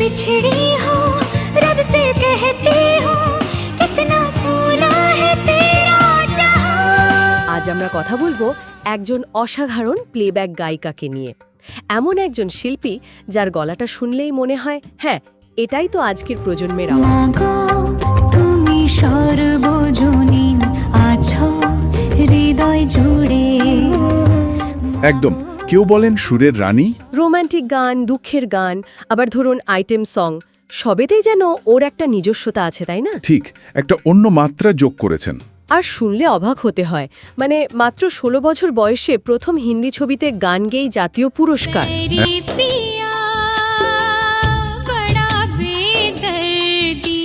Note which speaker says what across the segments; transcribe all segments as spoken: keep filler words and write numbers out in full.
Speaker 1: बिछड़ी हूँ रब से कहती हूँ कितना सोना है तेरा जहां।
Speaker 2: আজ আমরা কথা বলবো একজন অসাধারণ প্লেব্যাক গায়িকাকে নিয়ে, এমন একজন শিল্পী যার গলাটা শুনলেই মনে হয় হ্যাঁ এটাই তো আজকের প্রজন্মের আওয়াজ।
Speaker 1: মাগো তুমি সর্বজনীন আছো হৃদয় জুড়ে।
Speaker 3: একদম, কেউ বলেন সুরের রানী,
Speaker 2: রোমান্টিক গান, দুঃখের গান, আবার ধরুন আইটেম সং, সবেতেই যেন ওর একটা নিজস্বতা আছে, তাই না?
Speaker 3: ঠিক একটা অন্য মাত্রা যোগ করেছেন।
Speaker 2: আর শুনলে অবাক হতে হয়, মানে মাত্র ষোলো বছর বয়সে প্রথম হিন্দি ছবিতে গান গেয়েই জাতীয় পুরস্কার।
Speaker 1: तेरी पिया बड़ा बेदर्दी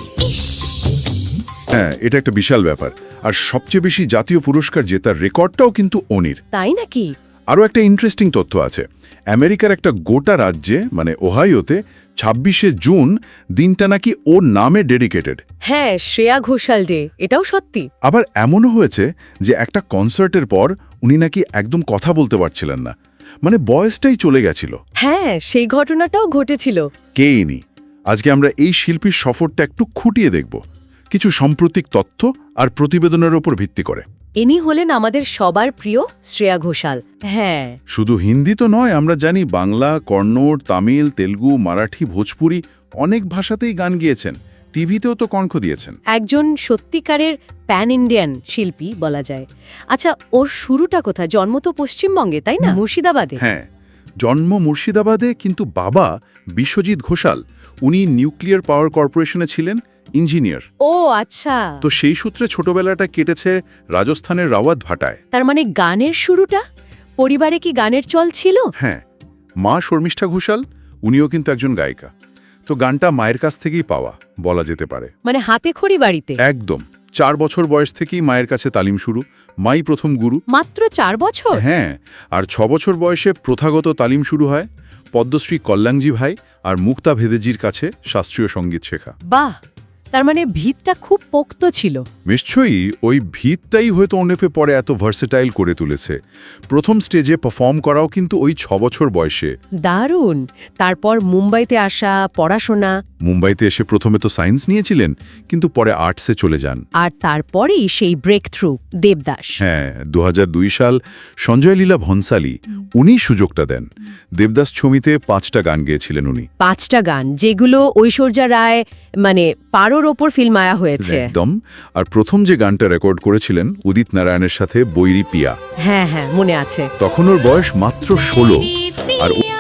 Speaker 1: इश्क।
Speaker 3: হ্যাঁ, এটা একটা বিশাল ব্যাপার। আর সবচেয়ে বেশি জাতীয় পুরস্কার জেতার রেকর্ডটাও কিন্তু ওনির।
Speaker 2: তাই নাকি?
Speaker 3: আরও একটা ইন্টারেস্টিং তথ্য আছে। আমেরিকার একটা গোটা রাজ্যে মানে ওহাইওতে ছাব্বিশে জুন দিনটা নাকি ওর নামে ডেডিকেটেড।
Speaker 2: হ্যাঁ, শ্রেয়া ঘোষাল ডে, এটাও সত্যি।
Speaker 3: আবার এমনও হয়েছে যে একটা কনসার্টের পর উনি নাকি একদম কথা বলতে পারছিলেন না, মানে বয়সটাই চলে গেছিল।
Speaker 2: হ্যাঁ, সেই ঘটনাটাও ঘটেছিল।
Speaker 3: কে ইনি? আজকে আমরা এই শিল্পীর সফরটা একটু খুঁটিয়ে দেখব, কিছু সাম্প্রতিক তথ্য আর প্রতিবেদনের ওপর ভিত্তি করে।
Speaker 2: ইনি হলেন আমাদের সবার প্রিয় শ্রেয়া ঘোষাল। হ্যাঁ,
Speaker 3: শুধু হিন্দি তো নয়, আমরা জানি বাংলা, কন্নড়, তামিল, তেলুগু, মারাঠি, ভোজপুরি অনেক ভাষাতেই গান গিয়েছেন, টিভিতেও তো কণ্ঠ দিয়েছেন।
Speaker 2: একজন সত্যিকারের প্যান ইন্ডিয়ান শিল্পী বলা যায়। আচ্ছা, ওর শুরুটা কোথায়? জন্ম তো পশ্চিমবঙ্গে, তাই না? মুর্শিদাবাদে।
Speaker 3: হ্যাঁ, জন্ম মুর্শিদাবাদে, কিন্তু বাবা বিশ্বজিৎ ঘোষাল উনি নিউক্লিয়ার পাওয়ার কর্পোরেশনে ছিলেন ইঞ্জিনিয়ার।
Speaker 2: ও আচ্ছা,
Speaker 3: তো সেই সূত্রে ছোটবেলাটা কেটেছে রাজস্থানের রাওয়াত ভাটায়।
Speaker 2: তার মানে গানের শুরুটা পরিবারে কি গানের চল ছিল?
Speaker 3: হ্যাঁ, মা শর্মিষ্ঠা ঘোষাল উনিও কিন্তু একজন গায়িকা। তো গানটা মায়ের কাছ থেকেই পাওয়া বলা যেতে পারে।
Speaker 2: মানে হাতে খড়ি বাড়িতে?
Speaker 3: একদম, চার বছর বয়স থেকেই মায়ের কাছে তালিম শুরু, মাই প্রথম গুরু।
Speaker 2: মাত্র চার বছর?
Speaker 3: হ্যাঁ, আর ছ বছর বয়সে প্রথাগত তালিম শুরু হয় পদ্মশ্রী কল্যাণজি ভাই আর মুক্তা ভেদেজির কাছে শাস্ত্রীয় সঙ্গীত শেখা।
Speaker 2: বাহ, তার মানে ভিতটা খুব পোক্ত ছিল।
Speaker 3: নিশ্চয়ই ওই ভিতটাই হয়তো ওনেপে পরে এত ভার্সেটাইল করে তুলেছে। প্রথম স্টেজে পারফর্ম করাও কিন্তু ওই ছ বছর বয়সে।
Speaker 2: দারুণ। তারপর মুম্বাইতে আসা, পড়াশোনা।
Speaker 3: মুম্বাইতে এসে প্রথমে তো সায়েন্স নিয়েছিলেন, কিন্তু পরে আর্টসে চলে যান।
Speaker 2: আর তারপরেই সেই ব্রেক থ্রু দেবদাস।
Speaker 3: হ্যাঁ, দু হাজার দুই সাল সঞ্জয় লীলা ভনসালী উনি সুযোগটা দেন। দেবদাস ছবিতে পাঁচটা গান গেয়েছিলেন উনি।
Speaker 2: পাঁচটা গান, যেগুলো ঐশ্বর্যা রায় মানে পারোর ওপর ফিল্মায়া হয়েছে।
Speaker 3: একদম। আর প্রথম যে গানটা রেকর্ড করেছিলেন উদিত নারায়ণের সাথে, বৈরি পিয়া।
Speaker 2: হ্যাঁ হ্যাঁ, মনে আছে।
Speaker 3: তখন ওর বয়স মাত্র ষোলো। আর ও-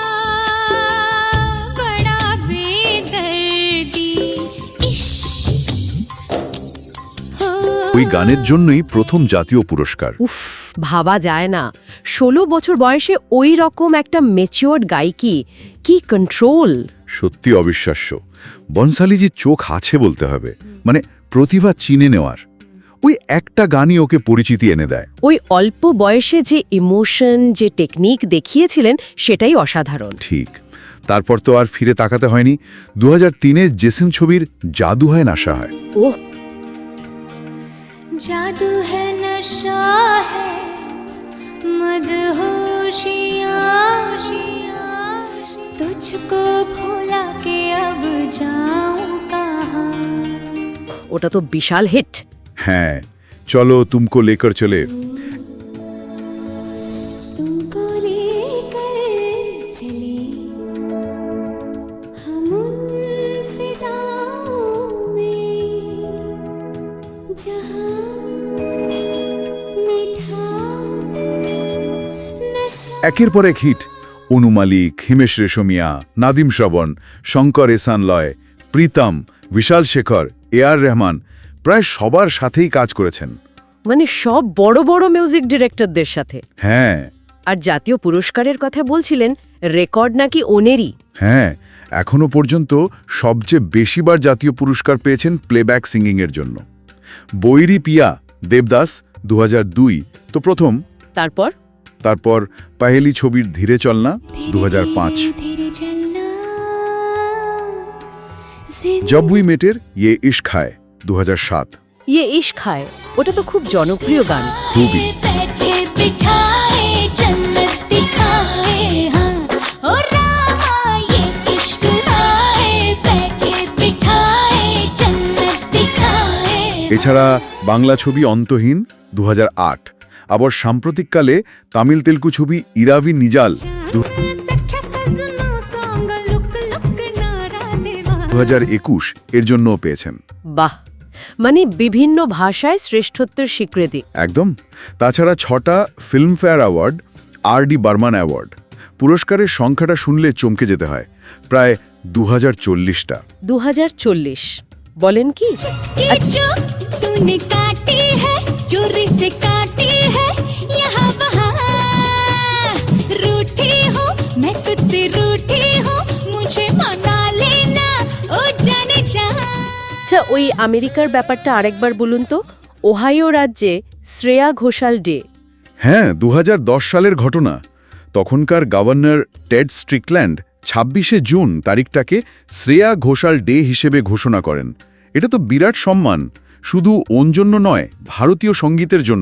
Speaker 1: बड़ा बेदर्दी इश्क।
Speaker 3: ওই গানের জন্যই প্রথম জাতীয় পুরস্কার।
Speaker 2: উফ, ভাবা যায় না, ষোলো বছর বয়সে ওই রকম একটা ম্যাচিওর্ড গায়িকি, কি কন্ট্রোল!
Speaker 3: সত্যি অবিশ্বাস্য। বনসালীজির চোখ আছে বলতে হবে, মানে প্রতিভা চিনে নেওয়ার। ওই একটা গানই ওকে পরিচিতি এনে দেয়।
Speaker 2: ওই অল্প বয়সে যে ইমোশন, যে টেকনিক দেখিয়েছিলেন সেটাই অসাধারণ।
Speaker 3: ঠিক। তারপর তো আর ফিরে তাকাতে হয়নি। দু হাজার তিনে জেসিম ছবির জাদু হয় নাশা হয়।
Speaker 2: ওহ,
Speaker 1: जादू है नशा है मदहोशियाँ तुझको भुला के अब जाऊं कहाँ।
Speaker 2: ওটা তো বিশাল হিট।
Speaker 3: হ্যাঁ, চলো তুমকো লেকর চলে।
Speaker 1: तुमको लेकर चले हम उन फिजाओं में जहाँ मीठा नशा।
Speaker 3: একের পর এক হিট। অনু মালিক, হিমেশ রেশমিয়া, নাদিম শ্রবণ, শঙ্কর এসান লয়, প্রীতম, বিশাল শেখর, এ আর রহমান প্রায় সবার সাথেই কাজ করেছেন।
Speaker 2: মানে সব বড় বড় মিউজিক ডিরেক্টরদের সাথে।
Speaker 3: হ্যাঁ
Speaker 2: আর জাতীয় পুরস্কারের কথা বলছিলেন, রেকর্ড নাকি ওনেরই।
Speaker 3: হ্যাঁ, এখনো পর্যন্ত সবচেয়ে বেশিবার জাতীয় পুরস্কার পেয়েছেন প্লেব্যাক সিঙ্গিংয়ের জন্য। বৈরি পিয়া দেবদাস দু হাজার দুই তো প্রথম।
Speaker 2: তারপর
Speaker 3: তারপর পাহেলি ছবির ধীরে চলনা দু হাজার পাঁচ,
Speaker 1: धीरे चलना
Speaker 3: জব উই মেটের ইয়ে ইশক হায় দু হাজার সাত।
Speaker 2: ইয়ে ইশক হায়, ওটা তো খুব জনপ্রিয় গান।
Speaker 3: খুবই।
Speaker 1: बैठे बिठाए जन्नत दिखाए हाँ ओ रामा ये इश्क आए
Speaker 3: এছাড়া বাংলা ছবি অন্তহীন দু হাজার আট, আবার সাম্প্রতিককালে তামিল তেলুগু ছবি ইরাভি নিজাল দু হাজার একুশ এর জন্যও পেয়েছেন।
Speaker 2: বাহ, মানে বিভিন্ন ভাষায় শ্রেষ্ঠত্বের স্বীকৃতি।
Speaker 3: একদম। তাছাড়া ছটা Filmfare award, R D Burman award. পুরস্কারের সংখ্যাটা শুনলে চমকে যেতে হয়, প্রায় দু হাজার চল্লিশটা।
Speaker 2: দু হাজার চল্লিশ বলেন কি?
Speaker 1: कि जो तूने काटी है चोरी से काटी है यहाँ वहाँ रूठी हूँ मैं तुझसे रूठी हूँ मुझे मना लेना ओ जाने जा।
Speaker 2: আচ্ছা, ওই আমেরিকার ব্যাপারটা আরেকবার বলুন তো। ওহাইও রাজ্যে শ্রেয়া ঘোষাল ডে।
Speaker 3: হ্যাঁ, দু হাজার দশ সালের ঘটনা। তখনকার গভর্নর টেড স্ট্রিকল্যান্ড ছাব্বিশে জুন তারিখটাকে শ্রেয়া ঘোষাল ডে হিসেবে ঘোষণা করেন। এটা তো বিরাট সম্মান, শুধু ওর জন্য নয়, ভারতীয় সঙ্গীতের জন্য।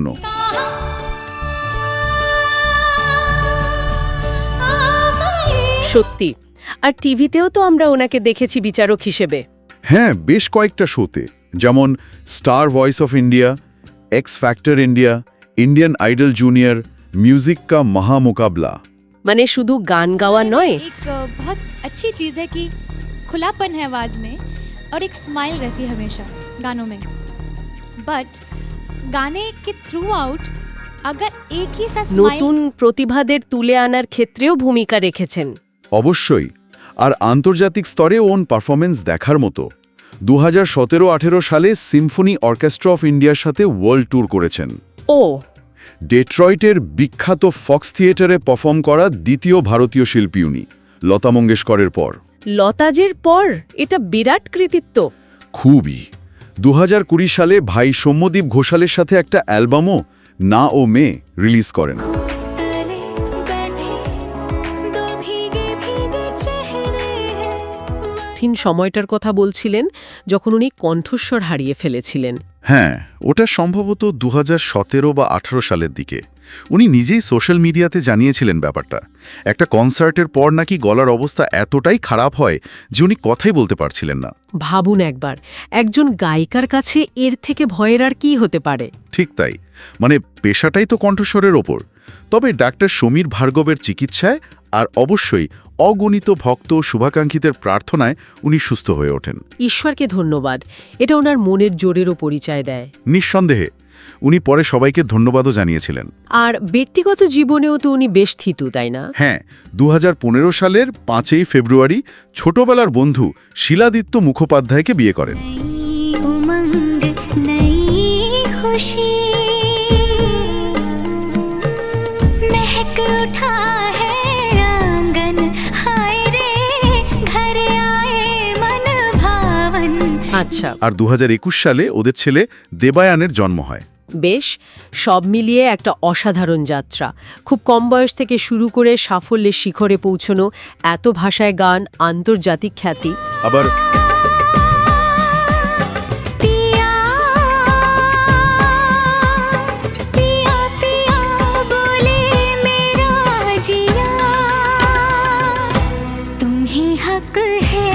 Speaker 2: সত্যি। আর টিভিতেও তো আমরা ওনাকে দেখেছি বিচারক হিসেবে।
Speaker 3: হ্যাঁ, বেশ কয়েকটা শোতে, যেমন Star Voice of India, X Factor India, Indian Idol Junior, music का महामुकाबला।
Speaker 2: মানে শুধু গান গাওয়া নয়,
Speaker 4: एक अ, बहुत अच्छी चीज़ है कि खुलापन है आवाज़ में और एक स्माइल रहती है हमेशा गानों में। बट गाने के थ्रू आउट अगर एक ही सा
Speaker 2: নতুন
Speaker 4: स्माइल
Speaker 2: প্রতিভাদের তুলে আনার ক্ষেত্রেও ভূমিকা রেখেছেন।
Speaker 3: অবশ্যই। আর আন্তর্জাতিক স্তরে ওন পারফরমেন্স দেখার মতো। দু হাজার সতেরো আঠেরো সালে সিম্ফনি অর্কেস্ট্রা অফ ইন্ডিয়ার সাথে ওয়ার্ল্ড ট্যুর করেছেন।
Speaker 2: ও
Speaker 3: ডেট্রয়েটের বিখ্যাত ফক্স থিয়েটারে পারফর্ম করা দ্বিতীয় ভারতীয় শিল্পী উনি, লতা মঙ্গেশকরের পর।
Speaker 2: লতাজের পর এটা বিরাট কৃতিত্ব।
Speaker 3: খুবই। দু হাজার কুড়ি সালে ভাই সৌম্যদীপ ঘোষালের সাথে একটা অ্যালবামও না ও মে রিলিজ করেন।
Speaker 1: तले बैठे दो भीगे भीगे चेहरे हैं
Speaker 2: কঠিন সময়টার কথা বলছিলেন যখন উনি কণ্ঠস্বর হারিয়ে ফেলেছিলেন।
Speaker 5: হ্যাঁ, ওটা সম্ভবত দু হাজার সতেরো বা আঠারো সালের দিকে। উনি নিজেই সোশ্যাল মিডিয়াতে জানিয়েছিলেন ব্যাপারটা। একটা কনসার্টের পর নাকি গলার অবস্থা এতটাই খারাপ হয় যে উনি কথাই বলতে পারছিলেন না।
Speaker 2: ভাবুন একবার, একজন গায়িকার কাছে এর থেকে ভয়ের আর কি হতে পারে।
Speaker 5: ঠিক তাই, মানে পেশাটাই তো কণ্ঠস্বরের ওপর। তবে ডাক্তার সমীর ভার্গবের চিকিৎসায় আর অবশ্যই অগণিত ভক্ত ও শুভাকাঙ্ক্ষীদের প্রার্থনায় উনি সুস্থ হয়ে ওঠেন।
Speaker 2: ঈশ্বরকে ধন্যবাদ, এটা ওনার মনের জোরেরও পরিচয় দেয়।
Speaker 5: নিঃসন্দেহে উনি পরে সবাইকে ধন্যবাদও জানিয়েছিলেন।
Speaker 2: আর ব্যক্তিগত জীবনেও তো উনি বেশ থিতু, তাই না?
Speaker 5: হ্যাঁ, দু হাজার পনেরো সালের পাঁচই ফেব্রুয়ারি ছোটবেলার বন্ধু শিলাদিত্য মুখোপাধ্যায়কে বিয়ে করেন।
Speaker 1: नई उमंग नई खुशी महक उठा है आंगन हाय रे घर आए मन भावन।
Speaker 2: আচ্ছা,
Speaker 5: আর দু হাজার একুশ সালে ওদের ছেলে দেবায়ানের জন্ম হয়।
Speaker 2: বেশ, সব মিলিয়ে একটা অসাধারণ যাত্রা। খুব কম বয়স থেকে শুরু করে সাফল্যের শিখরে পৌঁছনো, এত ভাষায় গান, আন্তর্জাতিক খ্যাতি।
Speaker 5: আবার
Speaker 1: पिया पिया पिया बोले मेरा जिया तुम्हें हक है।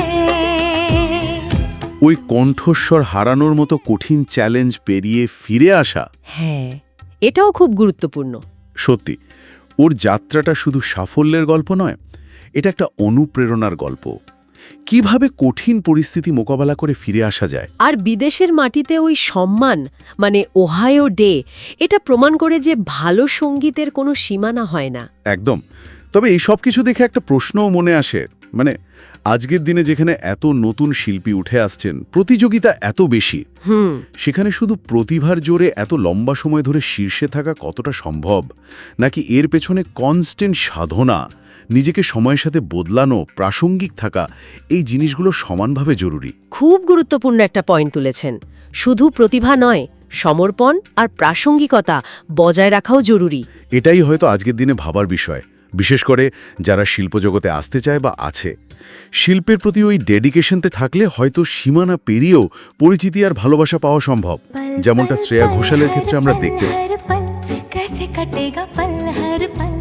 Speaker 5: ওই কণ্ঠস্বর হারানোর মতো কঠিন চ্যালেঞ্জ পেরিয়ে ফিরে আসা,
Speaker 2: হ্যাঁ, এটাও খুব গুরুত্বপূর্ণ।
Speaker 5: সত্যি ওর যাত্রাটা শুধু সাফল্যের গল্প নয়, এটা একটা অনুপ্রেরণার গল্প। কিভাবে কঠিন পরিস্থিতি মোকাবেলা করে ফিরে আসা যায়।
Speaker 2: আর বিদেশের মাটিতে ওই সম্মান, মানে ওহাইও ডে, এটা প্রমাণ করে যে ভালো সঙ্গীতের কোনো সীমানা হয় না।
Speaker 5: একদম। তবে এই সব কিছু দেখে একটা প্রশ্নও মনে আসে, মানে আজকের দিনে যেখানে এত নতুন শিল্পী উঠে আসছেন, প্রতিযোগিতা এত বেশি,
Speaker 2: হুম
Speaker 5: সেখানে শুধু প্রতিভার জোরে এত লম্বা সময় ধরে শীর্ষে থাকা কতটা সম্ভব, নাকি এর পেছনে কনস্ট্যান্ট সাধনা, নিজেকে সময়ের সাথে বদলানো, প্রাসঙ্গিক থাকা, এই জিনিসগুলো সমানভাবে জরুরি।
Speaker 2: খুব গুরুত্বপূর্ণ একটা পয়েন্ট তুলেছেন। শুধু প্রতিভা নয়, সমর্পণ আর প্রাসঙ্গিকতা বজায় রাখাও জরুরি।
Speaker 5: এটাই হয়তো আজকের দিনে ভাবার বিষয়, বিশেষ করে যারা শিল্পজগতে আসতে চায় বা আছে। শিল্পের প্রতি ওই ডেডিকেশনতে থাকলে হয়তো সীমানা পেরিয়েও পরিচিতি আর ভালোবাসা পাওয়া সম্ভব, যেমনটা শ্রেয়া ঘোষালের ক্ষেত্রে আমরা দেখতে।
Speaker 1: हर पल कैसे कटेगा पल हर पल